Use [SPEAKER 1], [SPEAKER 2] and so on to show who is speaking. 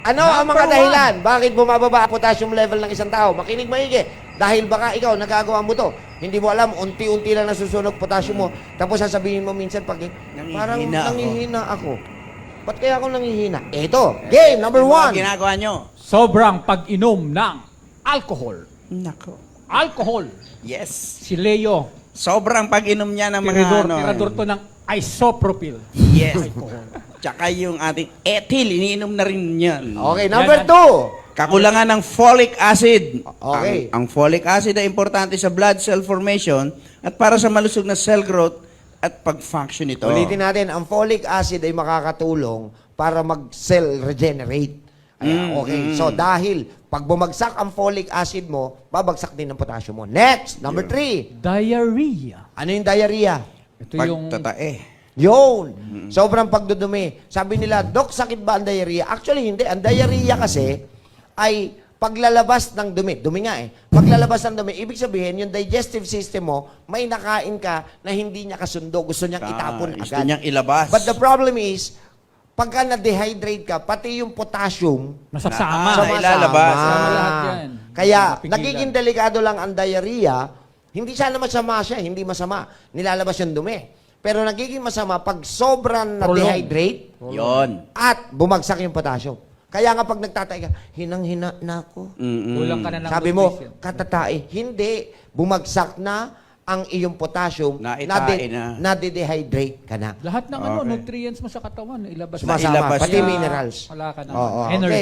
[SPEAKER 1] Ano ang mga dahilan? Bakit bumababa ang potassium level ng isang tao? Makinig maigi. Dahil baka ikaw, nagagawa mo to. Hindi mo alam, unti-unti lang nasusunog potassium mo. Tapos sasabihin mo minsan pag, parang nangihina ako. Ba't kaya ako nangihina? Eto, game number one.
[SPEAKER 2] Ginagawa nyo.
[SPEAKER 3] Sobrang pag-inom ng alcohol.
[SPEAKER 2] Nako.
[SPEAKER 3] Alcohol.
[SPEAKER 2] Yes.
[SPEAKER 3] Si Leo,
[SPEAKER 2] Sobrang pag-inom niya ng mga
[SPEAKER 3] tirador to ng isopropyl.
[SPEAKER 2] Yes. Tsaka yung ating ethyl, iniinom na rin yan.
[SPEAKER 1] Okay, number
[SPEAKER 3] Yan.
[SPEAKER 1] two.
[SPEAKER 2] Kakulangan ng folic acid.
[SPEAKER 1] Okay.
[SPEAKER 2] Ang folic acid ay importante sa blood cell formation at para sa malusog na cell growth at pag-function nito.
[SPEAKER 1] Ulitin natin, ang folic acid ay makakatulong para mag-cell regenerate. Ayan, okay. So, dahil pag bumagsak ang folic acid mo, babagsak din ang potassium mo. Next, number three.
[SPEAKER 3] Diarrhea.
[SPEAKER 1] Ano yung diarrhea?
[SPEAKER 3] Ito yung
[SPEAKER 2] Pagtatae.
[SPEAKER 1] Yun. Sobrang pagdudumi. Sabi nila, Dok, sakit ba ang diarrhea? Actually, hindi. Ang diarrhea kasi ay paglalabas ng dumi. Dumi nga eh. Paglalabas ng dumi, ibig sabihin, yung digestive system mo, may nakain ka na hindi niya kasundo. Gusto niyang itapon
[SPEAKER 2] Gusto
[SPEAKER 1] agad.
[SPEAKER 2] niyang ilabas.
[SPEAKER 1] But the problem is, pagka na-dehydrate ka, pati yung potassium,
[SPEAKER 3] masasama.
[SPEAKER 2] Sama. ilalabas.
[SPEAKER 3] Sama lahat yan.
[SPEAKER 1] Kaya,
[SPEAKER 3] Mapigilan.
[SPEAKER 1] nagiging delikado lang ang diarrhea. Hindi sana masama siya, hindi masama. Nilalabas yung dumi. Pero nagiging masama pag sobrang na-dehydrate
[SPEAKER 2] Yon.
[SPEAKER 1] at bumagsak yung potassium. Kaya nga pag nagtatay ka, hinang-hina na ako.
[SPEAKER 3] Kulang ka na ng
[SPEAKER 1] Sabi mo,
[SPEAKER 3] nutrition.
[SPEAKER 1] katatay. Hindi. Bumagsak na ang iyong potassium,
[SPEAKER 2] Naitain na.
[SPEAKER 1] nade-dehydrate ka na.
[SPEAKER 3] Lahat ng
[SPEAKER 2] Okay.
[SPEAKER 3] nutrients mo sa katawan, ilabas
[SPEAKER 1] Sumasama,
[SPEAKER 2] Nailabas
[SPEAKER 1] pati
[SPEAKER 2] na.
[SPEAKER 1] minerals.
[SPEAKER 3] Wala ka na.
[SPEAKER 1] Oo,
[SPEAKER 3] Energy.
[SPEAKER 1] okay.